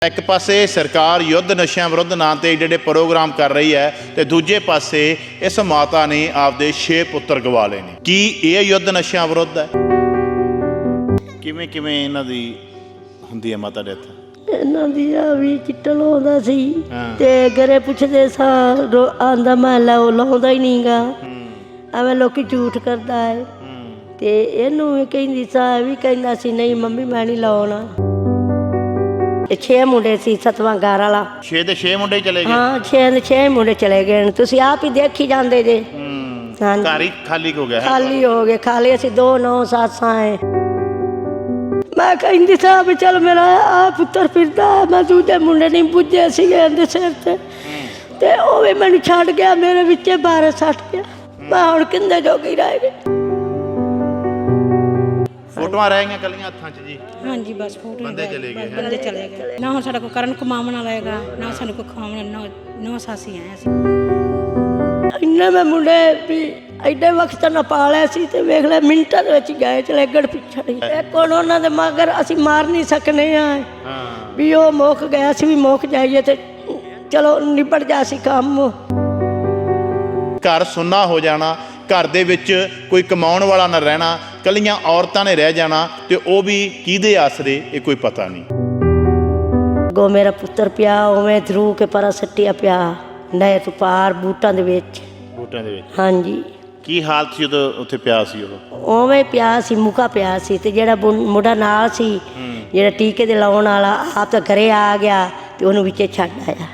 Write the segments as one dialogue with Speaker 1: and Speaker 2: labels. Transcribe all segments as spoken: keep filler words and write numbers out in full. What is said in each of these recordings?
Speaker 1: एक पासे सरकार युद्ध नशा विरुद्ध नाम से ਜਿਹੜੇ प्रोग्राम कर रही है तो दूजे पासे इस माता ने आपदे छे पुत्र गवा लए ने। की ये युद्ध नशा विरुद्ध है? किवें किवें इन्हां दी हुंदी है माता डेथ?
Speaker 2: ਇਹਨਾਂ ਦੀ ਆ ਵੀ ਚਿੱਟਾ ਲਾਉਂਦਾ ਸੀ ਤੇ ਘਰੇ ਪੁੱਛਦੇ ਸਾਂ ਆਂਦਾ ਮੈਂ ਲਾਉ ਲਾਉਂਦਾ ਹੀ ਨਹੀਂਗਾ, ਐਵੇਂ ਲੋਕੀ ਝੂਠ ਕਰਦਾ ਹੈ। ਤੇ ਇਹਨੂੰ ਵੀ ਕਹਿੰਦੀ ਸਾਂ, ਵੀ ਕਹਿੰਦਾ ਸੀ ਨਹੀਂ ਮੰਮੀ ਮੈਂ ਨਹੀਂ ਲਾਉਣਾ। ਛੇ ਮੁੰਡੇ ਸੀ, ਸੱਤਵਾਂ ਘਰ ਵਾਲਾ।
Speaker 1: ਛੇ ਦੇ ਛੇ ਮੁੰਡੇ ਚਲੇ ਗਏ? ਹਾਂ,
Speaker 2: ਛੇ ਦੇ ਛੇ ਮੁੰਡੇ ਚਲੇ ਗਏ। ਤੁਸੀਂ ਆਪ ਹੀ ਦੇਖੀ ਜਾਂਦੇ ਜੇ।
Speaker 1: ਘਰ ਹੀ ਖਾਲੀ ਹੋ ਗਿਆ?
Speaker 2: ਖਾਲੀ ਹੋ ਗਏ, ਖਾਲੀ। ਅਸੀਂ ਦੋ ਨੌ ਸੱਸਾਂ ਹੈ। ਮੈਂ ਕਹਿੰਦੀ ਸਾਂ ਵੀ ਚੱਲ ਮੇਰਾ ਆ ਪੁੱਤਰ ਫਿਰਦਾ, ਮੈਂ ਦੂਜੇ ਮੁੰਡੇ ਨਹੀਂ ਪੁੱਜੇ ਸੀਗੇ ਇਹਦੇ ਸਿਰ ਤੇ, ਤੇ ਉਹ ਵੀ ਮੈਨੂੰ ਛੱਡ ਗਿਆ, ਮੇਰੇ ਵਿੱਚੇ ਬਾਰਹ ਸੱਟ ਗਿਆ। ਮੈਂ ਹੁਣ ਕਿੰਦੇ ਜੋਗੀ ਰਹਿ ਗਈ।
Speaker 1: ਫੋਟੋਆਂ ਰਹਿ ਗਈਆਂ ਕੱਲੀਆਂ ਹੱਥਾਂ 'ਚ ਜੀ?
Speaker 3: ਹਾਂਜੀ, ਬਸ ਫੋਟੋ।
Speaker 1: ਬੰਦੇ ਚਲੇ ਗਏ?
Speaker 3: ਬੰਦੇ ਚਲੇ ਗਏ। ਨਾ ਹੁਣ ਸਾਡਾ ਕੋਈ ਕਰਨ ਕਮਾਉਣ ਵਾਲਾ ਹੈਗਾ, ਨਾ ਸਾਨੂੰ ਕੋਈ ਖਾਣ, ਨਾ ਨੌ ਸਾਸੀ ਆਏ ਅਸੀਂ।
Speaker 2: ਇੰਨੇ ਮੈਂ ਮੁੰਡੇ ਵੀ ਐਡੇ ਵਕਤ ਨਾ ਪਾਲਿਆ ਸੀ, ਤੇ ਵੇਖ ਲੈ ਮਿੰਟਾਂ ਦੇ ਵਿੱਚ ਗਏ ਚਲੇ ਗੜ ਪਿੱਛੜ। ਇੱਕ ਹੁਣ ਉਹਨਾਂ ਦੇ ਮਗਰ ਅਸੀਂ ਮਾਰ ਨਹੀਂ ਸਕਨੇ ਆ ਵੀ ਉਹ ਮੁੱਕ ਗਿਆ ਸੀ, ਵੀ ਮੁੱਕ ਜਾਈਏ ਤੇ ਚਲੋ ਨਿਬੜ ਜਾ ਸੀ ਕੰਮ।
Speaker 1: ਘਰ ਸੁੰਨਾ ਹੋ ਜਾਣਾ, घर दे विच कोई कमाउण वाला ना रहना, कलियां औरतां ने रह जाना, ते वो भी किहदे आसरे ये कोई पता नहीं।
Speaker 2: गो मेरा पुत्र पिया उवें धरू के परा सट्टिया पिया नए तो पार बूटां दे विच।
Speaker 1: बूटां दे विच?
Speaker 2: हाँ जी।
Speaker 1: की हालत सी उदों उत्थे पिया सी? ओह
Speaker 2: उवें पिया सी, मुका पिया सी। ते जेड़ा मुंडा नाल सी, जेड़ा टीके दे लाउण वाला, आप तो घरे आ गया ते ओनू विचे छड्ड आया।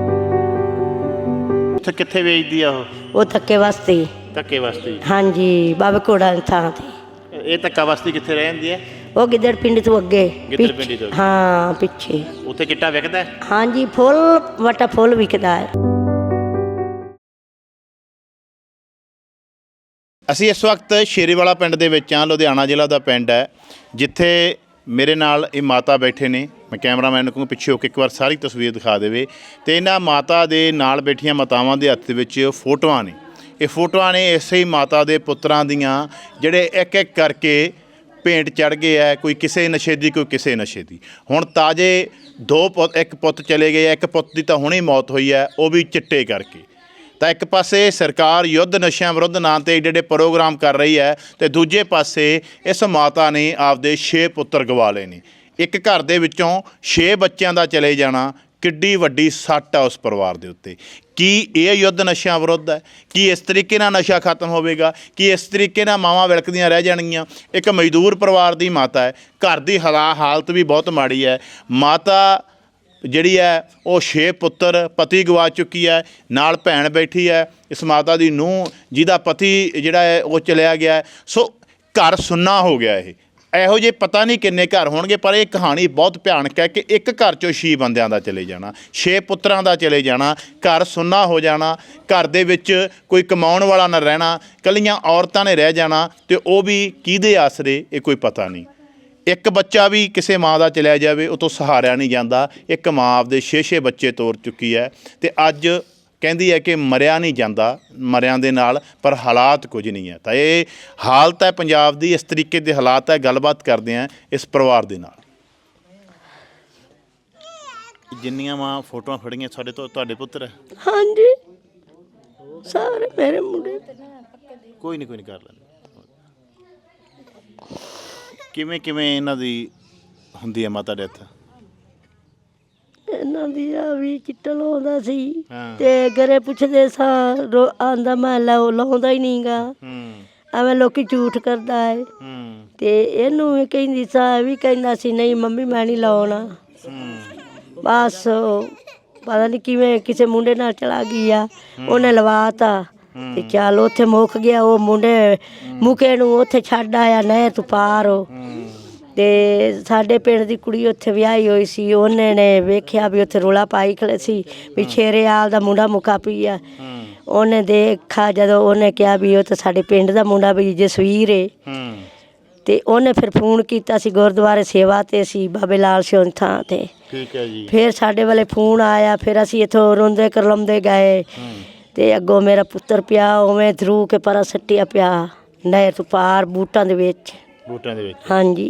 Speaker 1: उत्थे कित्थे वेचदी आ ओह?
Speaker 2: ओह धक्के वास्ते।
Speaker 1: धक्के वास्ते? हाँ
Speaker 2: जी, बाबे घोड़ा थां ते।
Speaker 1: ये धक्का वास्ते कित्थे रह जांदी है?
Speaker 2: वो गिद्दड़ पिंड तो अगे।
Speaker 1: गिद्दड़ पिंड तो?
Speaker 2: हाँ, पिछे।
Speaker 1: उत्थे चिट्टा विकदा है?
Speaker 2: हाँ जी, फुल वटा फुल विकदा है।
Speaker 1: ਅਸੀਂ ਇਸ ਵਕਤ ਸ਼ੇਰੀਵਾਲਾ ਪਿੰਡ ਦੇ ਵਿੱਚ ਹਾਂ, ਲੁਧਿਆਣਾ ਜ਼ਿਲ੍ਹਾ ਦਾ ਪਿੰਡ ਹੈ, ਜਿੱਥੇ ਮੇਰੇ ਨਾਲ ਇਹ ਮਾਤਾ ਬੈਠੇ ਨੇ। ਮੈਂ ਕੈਮਰਾਮੈਨ ਨੂੰ ਕਹੂੰ ਪਿੱਛੇ ਹੋ ਕੇ ਇੱਕ ਵਾਰ ਸਾਰੀ ਤਸਵੀਰ ਦਿਖਾ ਦੇਵੇ। ਤੇ ਇਹਨਾਂ ਮਾਤਾ ਦੇ ਨਾਲ ਬੈਠੀਆਂ ਮਾਤਾਵਾਂ ਦੇ ਹੱਥ ਵਿੱਚ ਫੋਟੋਆਂ ਨੇ। ਇਹ ਫੋਟੋਆਂ ਨੇ ਇਸੇ ਹੀ ਮਾਤਾ ਦੇ ਪੁੱਤਰਾਂ ਦੀਆਂ, ਜਿਹੜੇ ਇੱਕ ਇੱਕ ਕਰਕੇ ਭੇਂਟ ਚੜ੍ਹ ਗਏ ਹੈ। ਕੋਈ ਕਿਸੇ ਨਸ਼ੇ ਦੀ, ਕੋਈ ਕਿਸੇ ਨਸ਼ੇ ਦੀ। ਹੁਣ ਤਾਜ਼ੇ ਦੋ ਪੁੱਤ, ਇੱਕ ਪੁੱਤ ਚਲੇ ਗਏ, ਇੱਕ ਪੁੱਤ ਦੀ ਤਾਂ ਹੁਣੇ ਮੌਤ ਹੋਈ ਹੈ, ਉਹ ਵੀ ਚਿੱਟੇ ਕਰਕੇ। ਤਾਂ ਇੱਕ ਪਾਸੇ ਸਰਕਾਰ ਯੁੱਧ ਨਸ਼ਿਆਂ ਵਿਰੁੱਧ ਨਾਂ 'ਤੇ ਜਿਹੜੇ ਪ੍ਰੋਗਰਾਮ ਕਰ ਰਹੀ ਹੈ, ਅਤੇ ਦੂਜੇ ਪਾਸੇ ਇਸ ਮਾਤਾ ਨੇ ਆਪਦੇ ਛੇ ਪੁੱਤਰ ਗਵਾ ਲਏ ਨੇ। ਇੱਕ ਘਰ ਦੇ ਵਿੱਚੋਂ ਛੇ ਬੱਚਿਆਂ ਦਾ ਚਲੇ ਜਾਣਾ ਕਿੱਡੀ ਵੱਡੀ ਸੱਟ ਆ ਉਸ ਪਰਿਵਾਰ ਦੇ ਉੱਤੇ। ਕੀ ਇਹ ਯੁੱਧ ਨਸ਼ਿਆਂ ਵਿਰੁੱਧ ਹੈ? ਕੀ ਇਸ ਤਰੀਕੇ ਨਾਲ ਨਸ਼ਾ ਖਤਮ ਹੋਵੇਗਾ? ਕੀ ਇਸ ਤਰੀਕੇ ਨਾਲ ਮਾਵਾਂ ਵਿਲਕਦੀਆਂ ਰਹਿ ਜਾਣਗੀਆਂ? ਇੱਕ ਮਜ਼ਦੂਰ ਪਰਿਵਾਰ ਦੀ ਮਾਤਾ ਹੈ, ਘਰ ਦੀ ਹਾਲਾ ਹਾਲਤ ਵੀ ਬਹੁਤ ਮਾੜੀ ਹੈ। ਮਾਤਾ ਜਿਹੜੀ ਹੈ ਉਹ ਛੇ ਪੁੱਤਰ, ਪਤੀ ਗਵਾ ਚੁੱਕੀ ਹੈ, ਨਾਲ ਭੈਣ ਬੈਠੀ ਹੈ, ਇਸ ਮਾਤਾ ਦੀ ਨੂੰਹ ਜਿਹਦਾ ਪਤੀ ਜਿਹੜਾ ਹੈ ਉਹ ਚਲਿਆ ਗਿਆ। ਸੋ ਘਰ ਸੁੰਨਾ ਹੋ ਗਿਆ। ਇਹ ਇਹੋ ਜਿਹੇ ਪਤਾ ਨਹੀਂ ਕਿੰਨੇ ਘਰ ਹੋਣਗੇ, ਪਰ ਇਹ ਕਹਾਣੀ ਬਹੁਤ ਭਿਆਨਕ ਹੈ ਕਿ ਇੱਕ ਘਰ 'ਚੋਂ ਛੇ ਬੰਦਿਆਂ ਦਾ ਚਲੇ ਜਾਣਾ, ਛੇ ਪੁੱਤਰਾਂ ਦਾ ਚਲੇ ਜਾਣਾ, ਘਰ ਸੁੰਨਾ ਹੋ ਜਾਣਾ, ਘਰ ਦੇ ਵਿੱਚ ਕੋਈ ਕਮਾਉਣ ਵਾਲਾ ਨਾ ਰਹਿਣਾ, ਕੱਲੀਆਂ ਔਰਤਾਂ ਨੇ ਰਹਿ ਜਾਣਾ, ਤੇ ਉਹ ਵੀ ਕਿਹਦੇ ਆਸਰੇ ਇਹ ਕੋਈ ਪਤਾ ਨਹੀਂ। ਇੱਕ ਬੱਚਾ ਵੀ ਕਿਸੇ ਮਾਂ ਦਾ ਚਲਿਆ ਜਾਵੇ ਉਹ ਤੋਂ ਸਹਾਰਿਆ ਨਹੀਂ ਜਾਂਦਾ। ਇੱਕ ਮਾਂ ਆਪਦੇ ਛੇ ਛੇ ਬੱਚੇ ਤੋਰ ਚੁੱਕੀ ਹੈ, ਅਤੇ ਅੱਜ ਕਹਿੰਦੀ ਹੈ ਕਿ ਮਰਿਆ ਨਹੀਂ ਜਾਂਦਾ ਮਰਿਆਂ ਦੇ ਨਾਲ, ਪਰ ਹਾਲਾਤ ਕੁਝ ਨਹੀਂ ਹੈ। ਤਾਂ ਇਹ ਹਾਲਤ ਹੈ ਪੰਜਾਬ ਦੀ, ਇਸ ਤਰੀਕੇ ਦੇ ਹਾਲਾਤ ਹੈ। ਗੱਲਬਾਤ ਕਰਦੇ ਹਾਂ ਇਸ ਪਰਿਵਾਰ ਦੇ ਨਾਲ। ਜਿੰਨੀਆਂ ਮਾਂ ਫੋਟੋਆਂ ਫੜੀਆਂ ਸਾਡੇ ਤੋਂ ਤੁਹਾਡੇ ਪੁੱਤਰ?
Speaker 2: ਹਾਂਜੀ, ਸਾਰੇ ਮੇਰੇ ਮੁੰਡੇ।
Speaker 1: ਕੋਈ ਨਹੀਂ ਕੋਈ ਨਹੀਂ ਕਰ ਲੈਂਦੇ। ਕਿਵੇਂ ਕਿਵੇਂ ਇਹਨਾਂ ਦੀ ਹੁੰਦੀ ਹੈ ਮਾਤਾ ਡੈਥ?
Speaker 2: ਇਹਨਾਂ ਦੀ ਆ ਵੀ ਚਿੱਟਾ ਲਾਉਂਦਾ ਸੀ, ਤੇ ਘਰੇ ਪੁੱਛਦੇ ਸਾਂ ਆਂਦਾ ਮੈਂ ਲਾਉ ਲਾਉਂਦਾ ਹੀ ਨਹੀਂਗਾ, ਐਵੇਂ ਲੋਕੀ ਝੂਠ ਕਰਦਾ ਹੈ। ਤੇ ਇਹਨੂੰ ਵੀ ਕਹਿੰਦੀ ਸਾਂ, ਵੀ ਕਹਿੰਦਾ ਸੀ ਨਹੀਂ ਮੰਮੀ ਮੈਂ ਨਹੀਂ ਲਾਉਣਾ। ਬਸ ਪਤਾ ਨਹੀਂ ਕਿਵੇਂ ਕਿਸੇ ਮੁੰਡੇ ਨਾਲ ਚਲਾ ਗਈ ਆ, ਉਹਨੇ ਲਵਾਤਾ ਤੇ ਚੱਲ ਉੱਥੇ ਮੁੱਕ ਗਿਆ। ਉਹ ਮੁੰਡੇ ਮੁਕੇ ਨੂੰ ਉੱਥੇ ਛੱਡ ਆਇਆ ਨਹਿਰ ਤੋਂ ਪਾਰ। ਤੇ ਸਾਡੇ ਪਿੰਡ ਦੀ ਕੁੜੀ ਉੱਥੇ ਵਿਆਹੀ ਹੋਈ ਸੀ, ਉਹਨੇ ਨੇ ਵੇਖਿਆ ਵੀ ਉੱਥੇ ਰੌਲਾ ਪਾਈ ਖੜੇ ਸੀ ਵੀ ਛੇਰੇਆਲ ਦਾ ਮੁੰਡਾ ਮੁੱਕਾ ਪਈ ਆ। ਉਹਨੇ ਦੇਖਾ, ਜਦੋਂ ਉਹਨੇ ਕਿਹਾ ਵੀ ਉਹ ਤਾਂ ਸਾਡੇ ਪਿੰਡ ਦਾ ਮੁੰਡਾ ਵੀ ਜਸਵੀਰ ਏ, ਤੇ ਉਹਨੇ ਫਿਰ ਫੋਨ ਕੀਤਾ ਸੀ ਗੁਰਦੁਆਰੇ ਸੇਵਾ 'ਤੇ ਸੀ ਬਾਬੇ ਲਾਲ ਸਿੰਘ ਥਾਂ 'ਤੇ। ਠੀਕ ਹੈ ਜੀ। ਫਿਰ ਸਾਡੇ ਵਾਲੇ ਫੋਨ ਆਇਆ, ਫਿਰ ਅਸੀਂ ਇੱਥੋਂ ਰੋਂਦੇ ਕਰਲਾਉਂਦੇ ਗਏ, ਤੇ ਅੱਗੋਂ ਮੇਰਾ ਪੁੱਤਰ ਪਿਆ ਉਵੇਂ ਧਰੂ ਕੇ ਪਰਾ ਸੱਟਿਆ ਪਿਆ ਨਹਿਰ ਤੋਂ ਪਾਰ ਬੂਟਾਂ ਦੇ ਵਿੱਚ।
Speaker 1: ਬੂਟਾਂ ਦੇ ਵਿੱਚ?
Speaker 2: ਹਾਂਜੀ।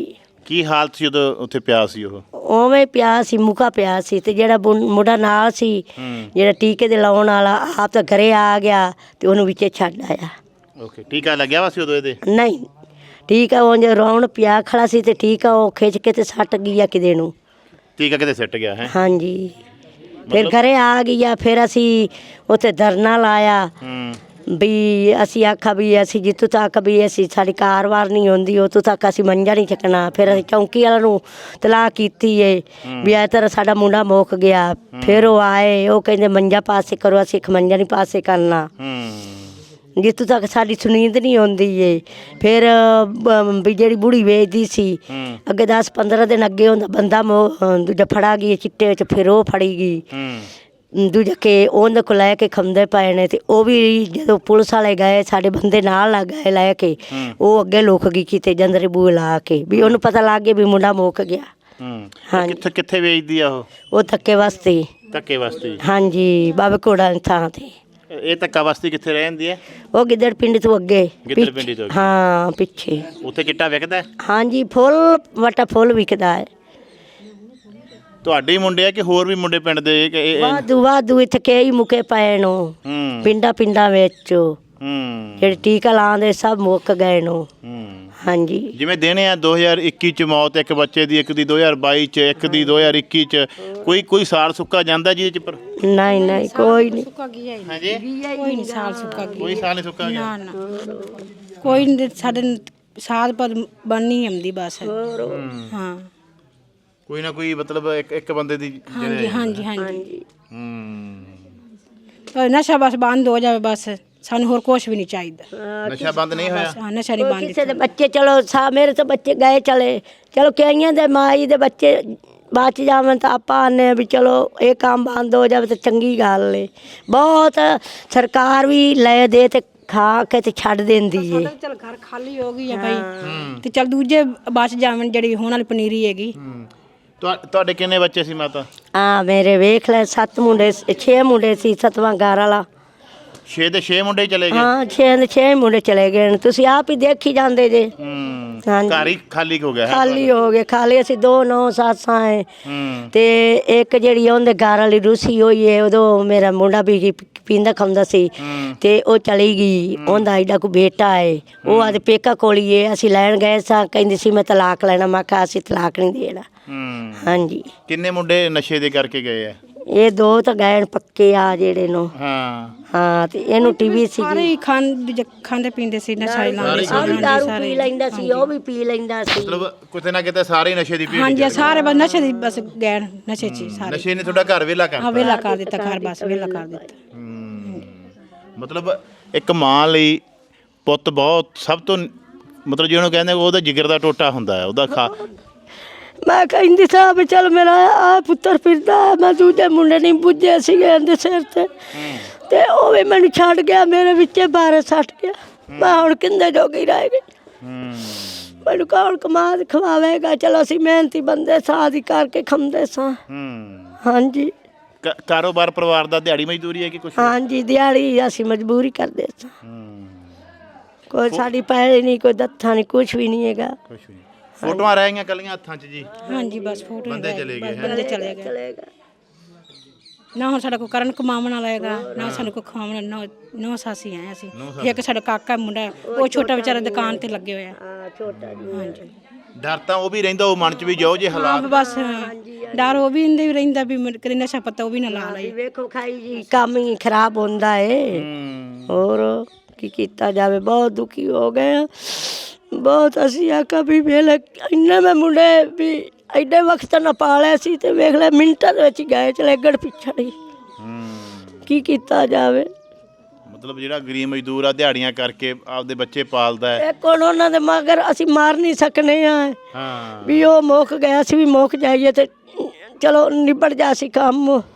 Speaker 1: ਕੀ ਹਾਲਤ ਸੀ ਜਦੋਂ ਉੱਥੇ ਪਿਆ ਸੀ ਉਹ?
Speaker 2: ਉਵੇਂ ਪਿਆ ਸੀ, ਮੁੱਕਾ ਪਿਆ ਸੀ। ਤੇ ਜਿਹੜਾ ਬੁ- ਮੁੰਡਾ ਨਾਲ ਸੀ, ਜਿਹੜਾ ਟੀਕੇ ਦੇ ਲਾਉਣ ਵਾਲਾ, ਆਪ ਤਾਂ ਘਰੇ ਆ ਗਿਆ ਤੇ ਉਹਨੂੰ ਵਿੱਚੇ ਛੱਡ ਆਇਆ।
Speaker 1: ਓਕੇ, ਟੀਕਾ ਲੱਗਿਆ ਵਾ ਸੀ ਉਦੋਂ ਇਹਦੇ?
Speaker 2: ਨਹੀਂ, ਟੀਕਾ ਉਹ ਜੇ ਰੌਣ ਪਿਆ ਖੜਾ ਸੀ ਤੇ ਟੀਕਾ ਉਹ ਖਿੱਚ ਕੇ ਤੇ ਸੱਟ ਗਿਆ ਕਿਤੇ ਨੂੰ।
Speaker 1: ਟੀਕਾ ਕਿਤੇ ਸਿੱਟ ਗਿਆ ਹੈ?
Speaker 2: ਹਾਂਜੀ, ਫਿਰ ਘਰੇ ਆ ਗਿਆ। ਫਿਰ ਅਸੀਂ ਉੱਥੇ ਧਰਨਾ ਲਾਇਆ
Speaker 1: ਹੂੰ
Speaker 2: ਵੀ ਅਸੀਂ ਆਖਾ ਵੀ ਅਸੀਂ ਜਿੱਥੋਂ ਤੱਕ ਵੀ ਅਸੀਂ ਸਾਡੀ ਕਾਰਵਾਰ ਨਹੀਂ ਹੁੰਦੀ ਉਤੋਂ ਤੱਕ ਅਸੀਂ ਮੰਜਾ ਨਹੀਂ ਚੱਕਣਾ। ਫਿਰ ਅਸੀਂ ਚੌਂਕੀ ਵਾਲਿਆਂ ਨੂੰ ਤਲਾਹ ਕੀਤੀ ਏ ਵੀ ਇਹ ਤਰ੍ਹਾਂ ਸਾਡਾ ਮੁੰਡਾ ਮੁੱਕ ਗਿਆ। ਫਿਰ ਉਹ ਆਏ, ਉਹ ਕਹਿੰਦੇ ਮੰਜਾ ਪਾਸੇ ਕਰੋ, ਅਸੀਂ ਇੱਕ ਮੰਜਾ ਨਹੀਂ ਪਾਸੇ ਕਰਨਾ
Speaker 1: ਹੂੰ
Speaker 2: ਜਿੱਥੋਂ ਤੱਕ ਸਾਡੀ ਸੁਨੀਂਦ ਨਹੀਂ ਆਉਂਦੀ ਏ। ਫਿਰ ਬ- ਵੀ ਜਿਹੜੀ ਬੁੜੀ ਵੇਚਦੀ ਸੀ ਅੱਗੇ ਦਸ ਪੰਦਰਾਂ ਦਿਨ ਅੱਗੇ ਹੁੰਦਾ ਬੰਦਾ ਮੋ- ਦੂਜਾ ਫੜਾ ਗਈ ਚਿੱਟੇ ਵਿੱਚ, ਫਿਰ ਉਹ ਫੜੀ ਗਈ।
Speaker 1: ਹੂੰ
Speaker 2: ਦੂਜਾ ਕਿ ਉਹਦੇ ਕੋਲ ਲੈ ਕੇ ਖੰਦੇ ਪਏ ਨੇ ਤੇ ਉਹ ਵੀ ਜਦੋਂ ਪੁਲਿਸ ਵਾਲੇ ਗਏ ਸਾਡੇ ਬੰਦੇ ਨਾਲ ਲੱਗ ਗਏ ਲੈ ਕੇ, ਉਹ ਅੱਗੇ ਲੁਕ ਗਈ ਕਿਤੇ ਜੰਦਰੇ ਬੂਹੇ ਲਾ ਕੇ ਵੀ ਉਹਨੂੰ ਪਤਾ ਲੱਗ ਗਿਆ ਵੀ ਮੁੰਡਾ ਮੁੱਕ ਗਿਆ।
Speaker 1: ਹੂੰ
Speaker 2: ਹਾਂਜੀ।
Speaker 1: ਕਿੱਥੇ ਕਿੱਥੇ ਵੇਚਦੀ ਆ ਉਹ?
Speaker 2: ਉਹ ਧੱਕੇ ਵਾਸਤੇ।
Speaker 1: ਧੱਕੇ ਵਾਸਤੇ?
Speaker 2: ਹਾਂਜੀ, ਬਾਬੇ ਕੋੜਾ ਦੀ ਥਾਂ ਤੇ।
Speaker 1: ਇਹ ਧੱਕਾ ਵਾਸਤੇ ਕਿੱਥੇ ਰਹਿੰਦੀ ਹੈ?
Speaker 2: ਉਹ ਗਿੱਦੜ ਪਿੰਡ ਤੋਂ ਅੱਗੇ
Speaker 1: ਗਿੱਦੜ
Speaker 2: ਪਿੱਛੇ-
Speaker 1: ਪਿੰਡੀ ਤੋਂ ਅੱਗੇ?
Speaker 2: ਹਾਂ ਪਿੱਛੇ।
Speaker 1: ਉੱਥੇ ਚਿੱਟਾ ਵਿਕਦਾ ਹੈ?
Speaker 2: ਹਾਂਜੀ, ਫੁੱਲ ਵਟਾ ਫੁੱਲ ਵਿਕਦਾ ਹੈ।
Speaker 1: ਤੁਹਾਡੇ ਹੀ ਮੁੰਡੇ ਆ ਕਿ ਹੋਰ ਵੀ ਮੁੰਡੇ ਪਿੰਡ ਦੇ ਕਿ ਇਹ- ਇਹ-
Speaker 2: ਵਾਧੂ ਵਾਧੂ ਇੱਥੇ ਕਈ ਮੁਕੇ ਪਏ ਨੂੰ
Speaker 1: ਹੂੰ
Speaker 2: ਪਿੰਡਾਂ ਪਿੰਡਾਂ ਵਿੱਚ
Speaker 1: ਹੂੰ
Speaker 2: ਜਿਹੜੇ ਟੀਕਾ ਲਾਉਂਦੇ ਸਭ ਮੁੱਕ ਗਏ ਨੂੰ।
Speaker 1: ਹੂੰ
Speaker 2: ਹਾਂਜੀ,
Speaker 1: ਜਿਵੇਂ ਦੇਣੇ ਆ ਦੋ ਹਜ਼ਾਰ ਇੱਕੀ ਚ ਮੌਤ ਇੱਕ ਬੱਚੇ ਦੀ, ਇੱਕ ਦੀ ਦੋ ਹਜ਼ਾਰ ਬਾਈ ਚ, ਇੱਕ ਦੀ ਦੋ ਹਜ਼ਾਰ ਇੱਕੀ ਚ, ਕੋਈ ਕੋਈ ਸਾਲ ਸੁੱਕਾ ਜਾਂਦਾ ਜਿਹਦੇ ਚ? ਪਰ
Speaker 2: ਨਹੀਂ ਨਹੀਂ ਕੋਈ ਨਹੀਂ।
Speaker 3: ਸੁੱਕਾ ਗਿਆ ਹੀ ਨਹੀਂ।
Speaker 1: ਹਾਂਜੀ,
Speaker 3: ਕੋਈ ਨਹੀਂ ਸਾਲ ਸੁੱਕਾ ਗਿਆ।
Speaker 1: ਕੋਈ ਸਾਲ ਨਹੀਂ ਸੁੱਕਾ ਗਿਆ?
Speaker 3: ਨਾ ਨਾ ਕੋਈ ਨਹੀਂ, ਸਾਡੇ ਸਾਲ ਪਰ ਬਣਨੀ ਆਉਂਦੀ ਬਸ। ਹਾਂ
Speaker 1: ਕੋਈ ਨਾ ਕੋਈ ਮਤਲਬ ਇੱਕ ਇੱਕ ਬੰਦੇ ਦੀ
Speaker 3: ਹਾਂਜੀ ਹਾਂਜੀ ਹਾਂਜੀ।
Speaker 1: ਹੂੰ
Speaker 3: ਪਰ ਨਸ਼ਾ ਬਸ ਬੰਦ ਹੋ ਜਾਵੇ, ਬਸ ਸਾਨੂੰ ਹੋਰ ਕੁਝ ਵੀ ਨਹੀਂ ਚਾਹੀਦਾ।
Speaker 1: ਨਸ਼ਾ ਬੰਦ ਨਹੀਂ ਹੋਇਆ?
Speaker 3: ਹਾਂ, ਨਸ਼ਾ ਨਹੀਂ ਬੰਦ।
Speaker 2: ਕਿਸੇ ਦੇ ਬੱਚੇ ਚਲੋ ਸਾ ਮੇਰੇ ਤਾਂ ਬੱਚੇ ਗਏ ਚਲੇ, ਚਲੋ ਕਈਆਂ ਦੇ ਮਾਈ ਦੇ ਬੱਚੇ ਬਚ ਜਾਵਣ ਤਾਂ ਆਪਾਂ ਆਨੇ ਵੀ ਚਲੋ ਇਹ ਕੰਮ ਬੰਦ ਹੋ ਜਾਵੇ ਤਾਂ ਚੰਗੀ ਗੱਲ ਏ। ਬਹੁਤ ਸਰਕਾਰ ਵੀ ਲੈ ਦੇ ਤੇ ਖਾ ਕੇ ਤੇ ਛੱਡ ਦਿੰਦੀ ਏ।
Speaker 3: ਚਲ ਘਰ ਖਾਲੀ ਹੋ ਗਈ ਆ ਭਾਈ ਤੇ ਚਲ ਦੂਜੇ ਬਚ ਜਾਵਣ ਜਿਹੜੀ ਹੁਣ ਵਾਲੀ ਪਨੀਰੀ ਹੈਗੀ।
Speaker 1: ਤੁਹਾ- ਤੁਹਾਡੇ ਕਿੰਨੇ ਬੱਚੇ ਸੀ ਮਾਤਾ?
Speaker 2: ਆ ਮੇਰੇ ਵੇਖ ਲੈ ਸੱਤ ਮੁੰਡੇ ਛੇ ਮੁੰਡੇ ਸੀ, ਸੱਤਵਾਂ ਘਰ ਵਾਲਾ।
Speaker 1: ਛੇ ਦੇ ਛੇ ਮੁੰਡੇ ਹੀ ਚਲੇ ਗਏ?
Speaker 2: ਹਾਂ, ਛੇ ਦੇ ਛੇ ਮੁੰਡੇ ਚਲੇ ਗਏ ਨੇ, ਤੁਸੀਂ ਆਪ ਹੀ ਦੇਖੀ ਜਾਂਦੇ ਜੇ।
Speaker 1: ਹੂੰ
Speaker 2: ਹਾਂਜੀ,
Speaker 1: ਘਰ ਹੀ ਖਾਲੀ ਹੋ ਗਿਆ ਹੈ?
Speaker 2: ਖਾਲੀ ਹੋ ਗਏ। ਖਾਲੀ ਅਸੀਂ ਦੋ ਨੌ ਸੱਸਾਂ ਏ
Speaker 1: ਹੂੰ
Speaker 2: ਤੇ ਇੱਕ ਜਿਹੜੀ ਉਹਦੇ ਘਰ ਵਾਲੀ ਰੂਸੀ ਹੋਈ ਏ, ਉਦੋਂ ਮੇਰਾ ਮੁੰਡਾ ਵੀ ਪੀਂਦਾ ਖਾਂਦਾ ਸੀ ਤੇ ਉਹ ਚਲੀ ਗਈ। ਉਹਦਾ ਐਡਾ ਕੋ ਬੇਟਾ ਏ, ਉਹ ਆਦੇ ਪੇਕਾ ਕੋਲੀ ਏ। ਅਸੀਂ ਲੈਣ ਗਏ ਸਾਂ, ਕਹਿੰਦੀ ਸੀ ਮੈਂ ਤਲਾਕ ਲੈਣਾ। ਮੈਂ ਕਿਹਾ ਅਸੀਂ ਤਲਾਕ ਨਹੀਂ ਦੇਣਾ।
Speaker 1: ਹੂੰ
Speaker 2: ਹਾਂਜੀ,
Speaker 1: ਕਿੰਨੇ ਮੁੰਡੇ ਨਸ਼ੇ ਦੇ ਕਰਕੇ ਗਏ ਆ?
Speaker 2: ਇਹ ਦੋ ਤਾਂ ਗਏ ਨੇ ਪੱਕੇ ਆ ਜਿਹੜੇ ਨੂੰ।
Speaker 1: ਹਾਂ
Speaker 2: ਹਾਂ, ਤੇ ਇਹਨੂੰ ਟੀਵੀ ਸੀ।
Speaker 3: ਸਾਰੇ ਹੀ ਖਾਂ ਦੂਜੇ ਖਾਂਦੇ ਪੀਂਦੇ ਸੀ, ਨਸ਼ਾ ਹੀ ਲਾਉਂਦੇ ਸੀ।
Speaker 2: ਉਹ ਵੀ
Speaker 3: ਹਾਂਜੀ,
Speaker 2: ਦਾਰੂ
Speaker 3: ਸਾਰੇ
Speaker 2: ਪੀ ਲੈਂਦਾ ਸੀ, ਉਹ ਵੀ ਪੀ ਲੈਂਦਾ ਸੀ।
Speaker 1: ਮਤਲਬ ਕਿਤੇ ਨਾ ਕਿਤੇ ਸਾਰੇ ਹੀ ਨਸ਼ੇ ਦੀ ਭੀੜ
Speaker 3: ਹਾਂਜੀ,
Speaker 1: ਚ
Speaker 3: ਸਾਰੇ ਬਸ ਨਸ਼ੇ ਦੀ ਬਸ ਗਏ ਨਸ਼ੇ 'ਚ ਹੀ ਸਾਰੇ।
Speaker 1: ਨਸ਼ੇ ਨੇ ਤੁਹਾਡਾ ਘਰ ਵਿਹਲਾ
Speaker 3: ਹਾਂ,
Speaker 1: ਕਰਤਾ?
Speaker 3: ਵੇਲਾ ਕਰ ਦਿੱਤਾ ਘਰ, ਬਸ ਵੇਲਾ ਕਰ ਦਿੱਤਾ।
Speaker 1: ਹੂੰ। ਮਤਲਬ ਇੱਕ ਮਾਂ ਲਈ ਪੁੱਤ ਬਹੁਤ ਸਭ ਤੋਂ ਮਤਲਬ ਜਿਹਨੂੰ ਕਹਿੰਦੇ ਉਹਦਾ ਜਿਗਰ ਦਾ ਟੋਟਾ ਹੁੰਦਾ ਹੈ, ਉਹਦਾ ਖਾ।
Speaker 2: ਮੈਂ ਕਹਿੰਦੀ ਸਾਂ ਵੀ ਚੱਲ ਮੇਰਾ ਆ ਪੁੱਤਰ ਫਿਰਦਾ। ਮੈਂ ਦੂਜੇ ਮੁੰਡੇ ਨਹੀਂ ਪੁੱਜੇ ਸੀਗੇ ਇਹਦੇ ਸਿਰ ਤੇ ਤੇ ਉਹ ਵੀ ਮੈਨੂੰ ਛੱਡ ਗਿਆ, ਮੇਰੇ ਵਿੱਚੇ ਬਾਰੇ ਸੱਟ ਗਿਆ। ਮੈਂ ਹੁਣ ਕਿੰਦੇ ਜੋਗੀ ਰਹਿ ਗਈ।
Speaker 1: ਹੂੰ
Speaker 2: ਮੈਨੂੰ ਕੌਣ ਕਮਾ ਕੇ ਖਵਾਵੇਗਾ? ਚਲੋ ਅਸੀਂ ਮਿਹਨਤੀ ਬੰਦੇ ਸਾਦੀ ਕਰਕੇ ਖਾਂਦੇ ਸਾਂ।
Speaker 1: ਹੂੰ
Speaker 2: ਹਾਂਜੀ
Speaker 1: ਕ- ਕਾਰੋਬਾਰ ਪਰਿਵਾਰ ਦਾ ਦਿਹਾੜੀ ਮਜ਼ਦੂਰੀ ਹੈ ਕਿ ਕੁਛ?
Speaker 2: ਹਾਂਜੀ, ਦਿਹਾੜੀ ਅਸੀਂ ਮਜਬੂਰੀ ਕਰਦੇ ਸਾਂ।
Speaker 1: ਹੂੰ
Speaker 2: ਕੋਈ ਸਾਡੀ ਪੈਸੇ ਨਹੀਂ, ਕੋਈ ਦੱਥਾ ਨਹੀਂ, ਕੁਛ ਵੀ ਨਹੀਂ ਹੈਗਾ।
Speaker 1: ਕੁਛ ਵੀ ਨਹੀਂ। ਫੋਟੋਆਂ ਰਹਿ ਗਈਆਂ ਕੱਲੀਆਂ ਹੱਥਾਂ 'ਚ ਜੀ?
Speaker 3: ਹਾਂਜੀ, ਬਸ ਫੋਟੋ
Speaker 1: ਬੰਦੇ ਚਲੇ ਗਏ ਹੈ?
Speaker 3: ਬੰਦੇ ਚਲੇ ਗਏ। ਨਾ ਹੁਣ ਸਾਡਾ ਕੋਈ ਕਰਨ ਕਮਾਉਣ ਵਾਲਾ ਹੈਗਾ, ਨਾ ਸਾਨੂੰ ਕੋਈ ਖਾਵਣ। ਨੌ ਨੌ ਸਾਸੀ ਆਏ ਅਸੀਂ। ਇੱਕ ਸਾਡਾ ਕਾਕਾ ਮੁੰਡਾ, ਉਹ ਛੋਟਾ ਵਿਚਾਰਾ ਦੁਕਾਨ ਤੇ ਲੱਗੇ ਹੋਇਆ।
Speaker 2: ਹਾਂ, ਛੋਟਾ ਜੀ।
Speaker 3: ਹਾਂਜੀ,
Speaker 1: ਡਰ ਤਾਂ ਉਹ ਵੀ ਰਹਿੰਦਾ ਉਹ ਮਨ 'ਚ ਵੀ ਜਾਓ ਜੇ
Speaker 3: ਹਾਂ
Speaker 1: ਹਾਲਾਤ।
Speaker 3: ਬਸ ਡਰ ਉਹ ਵੀ ਇੰਦੇ ਵੀ ਰਹਿੰਦਾ ਵੀ ਮੇਰੇ ਕਦੇ ਨਸ਼ਾ ਪਤਾ ਉਹ ਵੀ ਨਾ ਲਾ ਲਈ।
Speaker 2: ਵੇਖੋ ਖਾਈ ਜੀ, ਕੰਮ ਹੀ ਖਰਾਬ ਹੁੰਦਾ ਏ।
Speaker 1: ਹੂੰ
Speaker 2: ਹੋਰ ਕੀ ਕੀਤਾ ਜਾਵੇ, ਬਹੁਤ ਦੁਖੀ ਹੋ ਗਏ ਆ। ਬਹੁਤ ਅਸੀਂ ਆਖਿਆ ਵੀ ਵੇਲੇ ਇੰਨੇ ਮੈਂ ਮੁੰਡੇ ਵੀ ਐਡੇ ਵਕਤ ਨਾ ਪਾਲਿਆ ਸੀ ਤੇ ਵੇਖ ਲੈ ਮਿੰਟਾਂ ਦੇ ਵਿੱਚ ਗਏ ਚਲੇ ਗੜ ਪਿਛੜੀ।
Speaker 1: ਹੂੰ
Speaker 2: ਕੀ ਕੀਤਾ ਜਾਵੇ?
Speaker 1: ਮਤਲਬ ਜਿਹੜਾ ਗਰੀਬ ਮਜ਼ਦੂਰ ਆ ਦਿਹਾੜੀਆਂ ਕਰਕੇ ਆਪਦੇ ਬੱਚੇ ਪਾਲਦਾ ਹੈ।
Speaker 2: ਇੱਕ ਹੁਣ ਉਹਨਾਂ ਦੇ ਮਗਰ ਅਸੀਂ ਮਾਰ ਨਹੀਂ ਸਕਨੇ ਆ
Speaker 1: ਹਾਂ
Speaker 2: ਵੀ ਉਹ ਮੁੱਕ ਗਿਆ ਸੀ ਵੀ ਮੁੱਕ ਜਾਈਏ ਤੇ ਚਲੋ ਨਿਬੜ ਜਾ ਸੀ ਕੰਮ।
Speaker 1: ਹੂੰ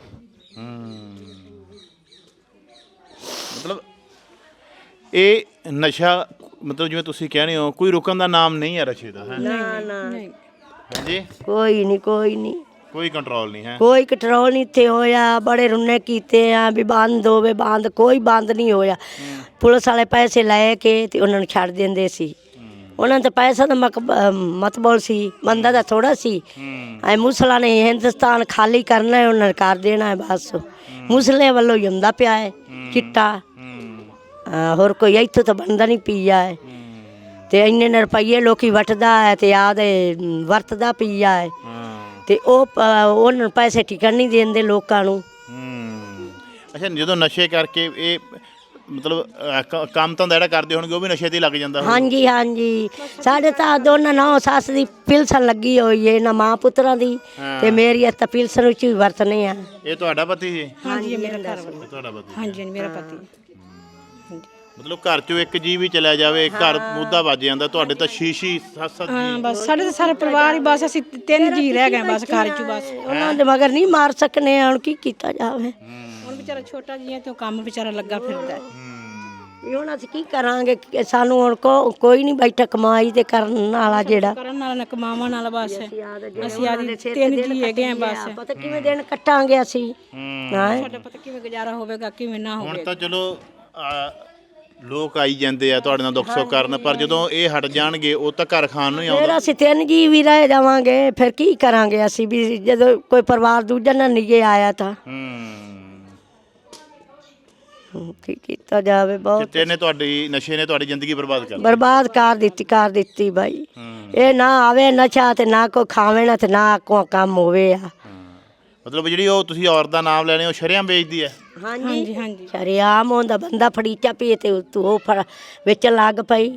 Speaker 1: ਮਤਲਬ ਇਹ ਨਸ਼ਾ ਮਤਲਬ ਜਿਵੇਂ ਤੁਸੀਂ ਕਹਿੰਦੇ ਹੋ ਕੋਈ ਰੁਕਣ ਦਾ ਨਾਮ ਨਹੀਂ ਹੈ ਨਸ਼ੇ ਦਾ, ਹੈ
Speaker 2: ਨਾ ਨਾ
Speaker 3: ਨਹੀਂ,
Speaker 1: ਹਾਂਜੀ?
Speaker 2: ਕੋਈ ਨਹੀਂ, ਕੋਈ ਨਹੀਂ,
Speaker 1: ਕੋਈ ਕੰਟਰੋਲ ਨਹੀਂ ਹੈ?
Speaker 2: ਕੋਈ ਕੰਟਰੋਲ ਨਹੀਂ ਇੱਥੇ ਹੋਇਆ। ਬੜੇ ਰੁੰਨੇ ਕੀਤੇ ਆ ਵੀ ਬੰਦ ਹੋਵੇ, ਬੰਦ ਕੋਈ ਬੰਦ ਨਹੀਂ ਹੋਇਆ। ਪੁਲਿਸ ਵਾਲੇ ਪੈਸੇ ਲੈ ਕੇ ਤੇ ਉਹਨਾਂ ਨੂੰ ਛੱਡ ਦਿੰਦੇ ਸੀ। ਉਹਨਾਂ ਤੇ ਪੈਸਾ ਦਾ ਮਕ ਮਤਬਲ ਸੀ, ਬੰਦਾ ਦਾ ਥੋੜਾ ਸੀ। ਐ ਮੁਸਲਾਂ ਨੇ ਹਿੰਦੁਸਤਾਨ ਖਾਲੀ ਕਰਨਾ ਹੈ, ਉਹਨਾਂ ਨੇ ਕਰ ਦੇਣਾ ਹੈ ਬਸ। ਮੁਸਲੇ ਵੱਲੋਂ ਹੀ ਹੁੰਦਾ ਪਿਆ ਹੈ ਚਿੱਟਾ, ਹਾਂ, ਹੋਰ ਕੋਈ ਇੱਥੋਂ ਤਾਂ ਬਣਦਾ ਨਹੀਂ ਪੀਆ ਹੈ। ਤੇ ਇੰਨੇ ਇੰਨੇ ਰੁਪਈਏ ਲੋਕੀ ਵਟਦਾ ਹੈ ਤੇ ਆਦੇ ਵਰਤਦਾ ਪੀਆ ਹੈ। ਤੇ ਉਹ ਪ- ਉਹਨਾਂ ਨੂੰ ਪੈਸੇ ਟਿਕਣ ਨਹੀਂ ਦਿੰਦੇ ਲੋਕਾਂ ਨੂੰ।
Speaker 1: ਅੱਛਾ, ਜਦੋਂ ਨਸ਼ੇ ਕਰਕੇ ਇਹ ਮਤਲਬ ਅਹ, ਕ- ਕੰਮ ਤਾਂ ਜਿਹੜਾ ਕਰਦੇ ਹੋਣਗੇ ਉਹ ਵੀ ਨਸ਼ੇ ਤੇ ਹੀ ਲੱਗ ਜਾਂਦਾ ਹੋਊ।
Speaker 2: ਹਾਂਜੀ ਹਾਂਜੀ, ਸਾਡੇ ਤਾਂ ਦੋਨਾਂ ਨੌ ਸੱਸ ਦੀ ਪਿਲਸਨ ਲੱਗੀ ਹੋਈ ਹੈ, ਨਾ ਮਾਂ ਪੁੱਤਰਾਂ ਦੀ। ਤੇ ਮੇਰੀ ਤਾਂ ਪਿਲਸਨ ਵਿੱਚ ਵੀ ਵਰਤਨੇ ਆ।
Speaker 1: ਇਹ ਤੁਹਾਡਾ ਪਤੀ ਜੀ?
Speaker 3: ਹਾਂਜੀ, ਮੇਰਾ ਘਰ ਵਾਲਾ।
Speaker 1: ਇਹ ਤੁਹਾਡਾ ਪਤੀ?
Speaker 3: ਹਾਂਜੀ, ਮੇਰਾ ਪਤੀ।
Speaker 1: ਮਤਲਬ ਘਰ ਚੋਂ ਇੱਕ ਜੀ ਵੀ ਚਲਿਆ ਜਾਵੇ, ਘਰ ਮੁੱਦਾ ਵੱਜ ਜਾਂਦਾ। ਤੁਹਾਡੇ ਤਾਂ ਛੀਛੀ ਸੱਤ ਸੱਤ
Speaker 3: ਹਾਂ, ਬਸ ਸਾਡੇ ਤਾਂ ਸਾਰਾ ਪਰਿਵਾਰ ਹੀ, ਬਸ ਅਸੀਂ ਤਿੰਨ ਜੀ ਰਹਿ ਗਏ ਬਸ ਘਰ 'ਚ ਬਸ।
Speaker 2: ਉਹਨਾਂ ਦੇ ਮਗਰ ਨਹੀਂ ਮਾਰ ਸਕਨੇ, ਹੁਣ ਕੀ ਕੀਤਾ ਜਾਵੇ।
Speaker 3: ਹੁਣ ਵਿਚਾਰਾ ਛੋਟਾ ਜਿਹਾ ਤੇ ਉਹ ਕੰਮ ਵਿਚਾਰਾ ਲੱਗਾ ਫਿਰਦਾ ਹੈ।
Speaker 2: ਵੀ ਹੁਣ ਅਸੀਂ ਕੀ ਕਰਾਂਗੇ, ਕਿ ਸਾਨੂੰ ਹੁਣ ਕੋ- ਕੋਈ ਨਹੀਂ ਬੈਠਾ ਕਮਾਈ ਤੇ ਕਰਨ ਵਾਲਾ ਜਿਹੜਾ।
Speaker 3: ਕਰਨ ਨਾਲ ਨਾ ਕਮਾਵਾਂ ਨਾਲ ਬਸ ਅਸੀਂ ਆਦੀ ਤਿੰਨ ਜੀ ਹੈਗੇ ਆ ਬਸ।
Speaker 2: ਪਤਾ ਕਿਵੇਂ ਦਿਨ ਕੱਟਾਂਗੇ ਅਸੀਂ, ਹਾਂ।
Speaker 3: ਸਾਡਾ ਪਤਾ ਕਿਵੇਂ ਗੁਜ਼ਾਰਾ ਹੋਵੇਗਾ, ਕਿਵੇਂ ਨਾ
Speaker 1: ਹੁਣ
Speaker 3: ਹੋਵੇਗਾ।
Speaker 1: ਤਾਂ ਚਲੋ ਆ, ਲੋਕ ਆਈ ਜਾਂਦੇ ਆ ਤੁਹਾਡੇ ਨਾਲ ਦੁੱਖ ਸੁੱਖ ਕਰਨ, ਪਰ ਜਦੋਂ ਇਹ ਹਟ ਜਾਣਗੇ ਉਹ ਤਾਂ ਘਰ ਖਾਣ ਨੂੰ ਹੀ ਆਉਂਦਾ।
Speaker 2: ਫਿਰ ਅਸੀਂ ਤਿੰਨ ਜੀ ਵੀ ਰਹਿ ਜਾਵਾਂਗੇ, ਫਿਰ ਕੀ ਕਰਾਂਗੇ ਅਸੀਂ ਵੀ ਜਦੋਂ ਕੋਈ ਪਰਿਵਾਰ ਦੂਜਾ ਨਾ ਨਿਗੇ ਆਇਆ ਤਾਂ। ਹੂੰ, ਕੀ ਕੀਤਾ ਜਾਵੇ। ਬਹੁਤ
Speaker 1: ਚਿੱਟੇ ਨੇ ਤੁਹਾਡੀ, ਨਸ਼ੇ ਨੇ ਤੁਹਾਡੀ ਜ਼ਿੰਦਗੀ ਬਰਬਾਦ ਕਰ ਦਿੱਤੀ।
Speaker 2: ਬਰਬਾਦ ਕਰ ਦਿੱਤੀ ਕਰ ਦਿੱਤੀ ਬਾਈ। ਇਹ ਨਾ ਆਵੇ ਨਸ਼ਾ ਤੇ ਨਾ ਕੋਈ ਖਾਵੇ ਨਾ ਤੇ ਨਾ ਕੋਈ ਕੰਮ ਹੋਵੇ ਆ।
Speaker 1: ਮਤਲਬ ਜਿਹੜੀ ਉਹ ਤੁਸੀਂ ਔਰਤ ਦਾ ਨਾਮ ਲੈਣੇ ਉਹ ਸ਼ਰੇਆਮ ਵੇਚਦੀ ਹੈ?
Speaker 2: ਹਾਂਜੀ ਹਾਂਜੀ, ਸ਼ਰੇਆਮ ਹੁੰਦਾ ਬੰਦਾ ਫੜੀਚਾ ਪੀਏ ਤੇ ਤੂੰ ਉਹ ਫੜ ਵੇਚਣ ਲੱਗ ਪਈ।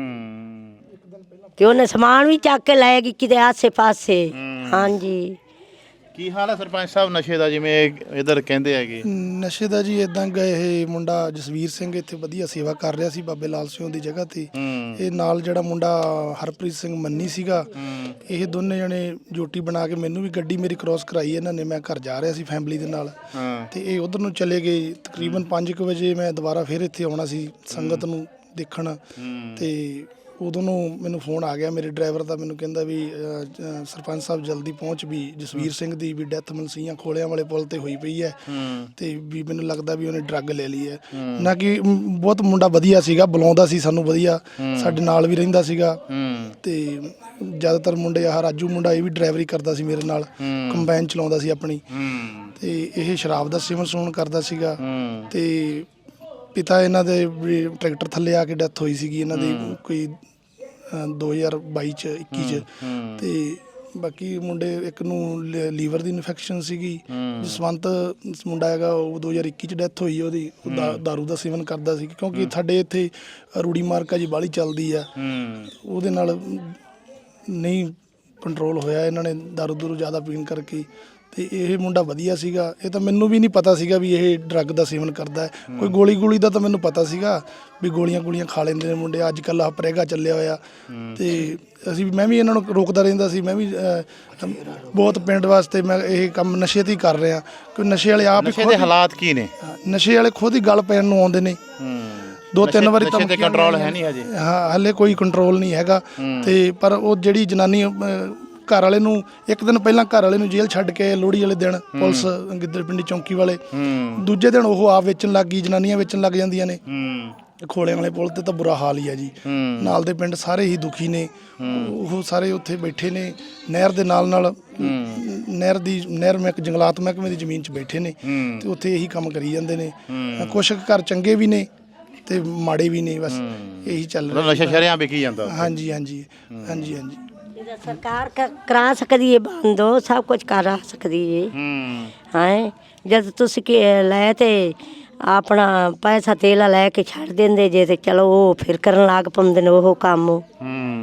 Speaker 2: ਤੇ ਉਹਨੇ ਸਮਾਨ ਵੀ ਚੱਕ ਕੇ ਲੈ ਗਈ ਕਿਤੇ ਆਸੇ ਪਾਸੇ। ਹਾਂਜੀ।
Speaker 1: ਕੀ ਹਾਲ ਹੈ ਸਰਪੰਚ ਸਾਹਿਬ ਨਸ਼ੇ ਦਾ, ਜਿਵੇਂ ਇਧਰ ਕਹਿੰਦੇ ਹੈਗੇ?
Speaker 4: ਨਸ਼ੇ ਦਾ ਜੀ ਇਦਾਂ ਗਏ, ਇਹ ਮੁੰਡਾ ਜਸਵੀਰ ਸਿੰਘ ਇੱਥੇ ਵਧੀਆ ਸੇਵਾ ਕਰ ਰਿਹਾ ਸੀ ਬਾਬੇ ਲਾਲ ਸਿੰਘ ਦੀ ਜਗ੍ਹਾ ਤੇ। ਇਹ ਨਾਲ ਜਿਹੜਾ ਮੁੰਡਾ ਹਰਪ੍ਰੀਤ ਸਿੰਘ ਮੰਨੀ ਸੀਗਾ, ਇਹ ਦੋਨੇ ਜਣੇ ਜੋਟੀ ਬਣਾ ਕੇ ਮੈਨੂੰ ਵੀ ਗੱਡੀ ਮੇਰੀ ਕ੍ਰੋਸ ਕਰਾਈ ਇਹਨਾਂ ਨੇ। ਮੈਂ ਘਰ ਜਾ ਰਿਹਾ ਸੀ ਫੈਮਿਲੀ ਦੇ ਨਾਲ, ਤੇ ਇਹ ਉਧਰ ਨੂੰ ਚਲੇ ਗਏ। ਤਕਰੀਬਨ ਪੰਜ ਕੁ ਵਜੇ ਮੈਂ ਦੁਬਾਰਾ ਫਿਰ ਇੱਥੇ ਆਉਣਾ ਸੀ ਸੰਗਤ ਨੂੰ ਦੇਖਣ, ਤੇ ਉਦੋਂ ਨੂੰ ਮੈਨੂੰ ਫੋਨ ਆ ਗਿਆ ਮੇਰੇ ਡਰਾਈਵਰ ਦਾ। ਮੈਨੂੰ ਕਹਿੰਦਾ ਵੀ ਅ, ਅ, ਸਰਪੰਚ ਸਾਹਿਬ ਜਲਦੀ ਪਹੁੰਚ, ਵੀ ਜਸਵੀਰ ਸਿੰਘ ਦੀ ਵੀ ਡੈਥ ਮਨਸੀਆਂ ਖੋਲਿਆਂ ਵਾਲੇ ਪੁਲ ਤੇ ਹੋਈ ਪਈ ਹੈ, ਤੇ ਵੀ ਮੈਨੂੰ ਲੱਗਦਾ ਵੀ ਉਹਨੇ ਡਰੱਗ ਲੈ ਲਈ ਹੈ। ਨਾ ਕਿ ਮ, ਬਹੁਤ ਮੁੰਡਾ ਵਧੀਆ ਸੀਗਾ, ਬੁਲਾਉਂਦਾ ਸੀ ਸਾਨੂੰ ਵਧੀਆ, ਸਾਡੇ ਨਾਲ ਵੀ ਰਹਿੰਦਾ ਸੀਗਾ। ਤੇ ਜ਼ਿਆਦਾਤਰ ਮੁੰਡੇ ਆਹ ਰਾਜੂ ਮੁੰਡਾ, ਇਹ ਵੀ ਡਰਾਈਵਰੀ ਕਰਦਾ ਸੀ ਮੇਰੇ ਨਾਲ, ਕੰਬਾਈਨ ਚਲਾਉਂਦਾ ਸੀ ਆਪਣੀ। ਤੇ ਇਹ ਸ਼ਰਾਬ ਦਾ ਸੇਵਨ ਸੂਣ ਕਰਦਾ ਸੀਗਾ। ਤੇ ਪਿਤਾ ਇਹਨਾਂ ਦੇ ਵੀ ਟਰੈਕਟਰ ਥੱਲੇ ਆ ਕੇ ਡੈਥ ਹੋਈ ਸੀਗੀ ਇਹਨਾਂ ਦੀ ਕੋਈ ਦੋ ਹਜ਼ਾਰ ਬਾਈ ਚ ਇੱਕੀ ਚ। ਤੇ ਬਾਕੀ ਮੁੰਡੇ, ਇੱਕ ਨੂੰ ਲੀਵਰ ਦੀ ਇਨਫੈਕਸ਼ਨ ਸੀਗੀ। ਜਸਵੰਤ ਮੁੰਡਾ ਹੈਗਾ, ਉਹ ਦੋ ਹਜ਼ਾਰ ਇੱਕੀ ਚ ਡੈਥ ਹੋਈ ਉਹਦੀ। ਉਹ ਦਾ- ਦਾਰੂ ਦਾ ਸੇਵਨ ਕਰਦਾ ਸੀ, ਕਿਉਂਕਿ ਸਾਡੇ ਇੱਥੇ ਰੂੜੀ ਮਾਰਕਾ ਜੀ ਬਾਹਲੀ ਚੱਲਦੀ ਆ, ਉਹਦੇ ਨਾਲ ਨਹੀਂ ਕੰਟਰੋਲ ਹੋਇਆ। ਇਹਨਾਂ ਨੇ ਦਾਰੂ ਦੂਰੂ ਜ਼ਿਆਦਾ ਪੀਣ ਕਰਕੇ। ਤੇ ਇਹ ਮੁੰਡਾ ਵਧੀਆ ਸੀਗਾ। ਇਹ ਤਾਂ ਮੈਨੂੰ ਵੀ ਨਹੀਂ ਪਤਾ ਸੀਗਾ ਵੀ ਇਹ ਡਰੱਗ ਦਾ ਸੇਵਨ ਕਰਦਾ ਹੈ। ਕੋਈ ਗੋਲੀ ਗੋਲੀ ਦਾ ਤਾਂ ਮੈਨੂੰ ਪਤਾ ਸੀਗਾ ਵੀ ਗੋਲੀਆਂ ਗੋਲੀਆਂ ਖਾ ਲੈਂਦੇ ਨੇ ਮੁੰਡੇ। ਅੱਜ ਕੱਲ੍ਹ ਆਹ ਪ੍ਰੇਗਾ ਚੱਲਿਆ ਹੋਇਆ। ਤੇ ਅਸੀਂ ਮੈਂ ਵੀ ਇਹਨਾਂ ਨੂੰ ਰੋਕਦਾ ਰਹਿੰਦਾ ਸੀ। ਮੈਂ ਵੀ ਅਹ, ਬਹੁਤ ਪਿੰਡ ਵਾਸਤੇ ਮੈਂ ਇਹ ਕੰਮ ਨਸ਼ੇ ਤੇ ਹੀ ਕਰ ਰਿਹਾ, ਕਿਉਂਕਿ ਨਸ਼ੇ ਵਾਲੇ ਆਪ ਹੀ
Speaker 1: ਨਸ਼ੇ ਦੇ ਹਾਲਾਤ ਕੀ ਨੇ?
Speaker 4: ਨਸ਼ੇ ਵਾਲੇ ਖੁਦ ਹੀ ਗੱਲ ਪੈਣ ਨੂੰ ਆਉਂਦੇ ਨੇ। ਦੋ ਤਿੰਨ ਵਾਰੀ
Speaker 1: ਨਸ਼ੇ ਤੇ ਕੰਟਰੋਲ ਹੈ ਨਹੀਂ ਹਜੇ? ਹਾਂ,
Speaker 4: ਹਾਲੇ ਕੋਈ ਕੰਟਰੋਲ ਨਹੀਂ ਹੈਗਾ। ਤੇ ਪਰ ਉਹ ਜਿਹੜੀ ਜਨਾਨੀ ਅਹ, ਘਰ ਵਾਲੇ ਨੂੰ ਇੱਕ ਦਿਨ ਪਹਿਲਾਂ ਘਰ ਵਾਲੇ ਨੂੰ ਜੇਲ੍ਹ ਛੱਡ ਕੇ ਲੋਹੜੀ ਵਾਲੇ ਦਿਨ ਪੁਲਿਸ ਗਿੱਦੜਪਿੰਡੀ ਚੌਂਕੀ ਵਾਲੇ, ਦੂਜੇ ਦਿਨ ਉਹ ਆਪ ਵੇਚਣ ਲੱਗ ਗਈ, ਜਨਾਨੀਆਂ ਵੇਚਣ ਲੱਗ ਜਾਂਦੀਆਂ ਨੇ। ਖੋਲਿਆਂ ਵਾਲੇ ਪੁਲ ਤੇ ਤਾਂ ਬੁਰਾ ਹਾਲ ਹੀ ਆ ਜੀ। ਨਾਲ ਦੇ ਪਿੰਡ ਸਾਰੇ ਹੀ ਦੁਖੀ ਨੇ। ਉਹ ਸਾਰੇ ਉੱਥੇ ਬੈਠੇ ਨੇ ਨਹਿਰ ਦੇ ਨਾਲ ਨਾਲ, ਨਹਿਰ ਦੀ ਨਹਿਰ ਮਹਿਕ ਜੰਗਲਾਤ ਮਹਿਕਮੇ ਦੀ ਜ਼ਮੀਨ 'ਚ ਬੈਠੇ ਨੇ, ਤੇ ਉੱਥੇ ਇਹੀ ਕੰਮ ਕਰੀ ਜਾਂਦੇ ਨੇ। ਕੁਛ ਘਰ ਚੰਗੇ ਵੀ ਨੇ ਤੇ ਮਾੜੇ ਵੀ ਨੇ, ਬਸ ਇਹੀ ਚੱਲ ਰਿਹਾ।
Speaker 1: ਨਸ਼ਾ ਸ਼ਰੇਆਮ ਵਿਕੀ ਜਾਂਦਾ?
Speaker 4: ਹਾਂਜੀ ਹਾਂਜੀ ਹਾਂਜੀ ਹਾਂਜੀ।
Speaker 2: ਇਹਦਾ ਸਰਕਾਰ ਕ- ਕਰਾ ਸਕਦੀ ਹੈ ਬੰਦ, ਉਹ ਸਭ ਕੁਝ ਕਰਾ ਸਕਦੀ ਹੈ। ਹਾਂ, ਜਦ ਤੁਸੀਂ ਕਿ ਲੈ ਤੇ ਆਪਣਾ ਪੈਸਾ ਤੇਲਾ ਲੈ ਕੇ ਛੱਡ ਦਿੰਦੇ ਜੇ, ਤੇ ਚਲੋ ਉਹ ਫਿਰ ਕਰਨ ਲੱਗ ਪਾਉਂਦੇ ਨੇ ਉਹ ਕੰਮ।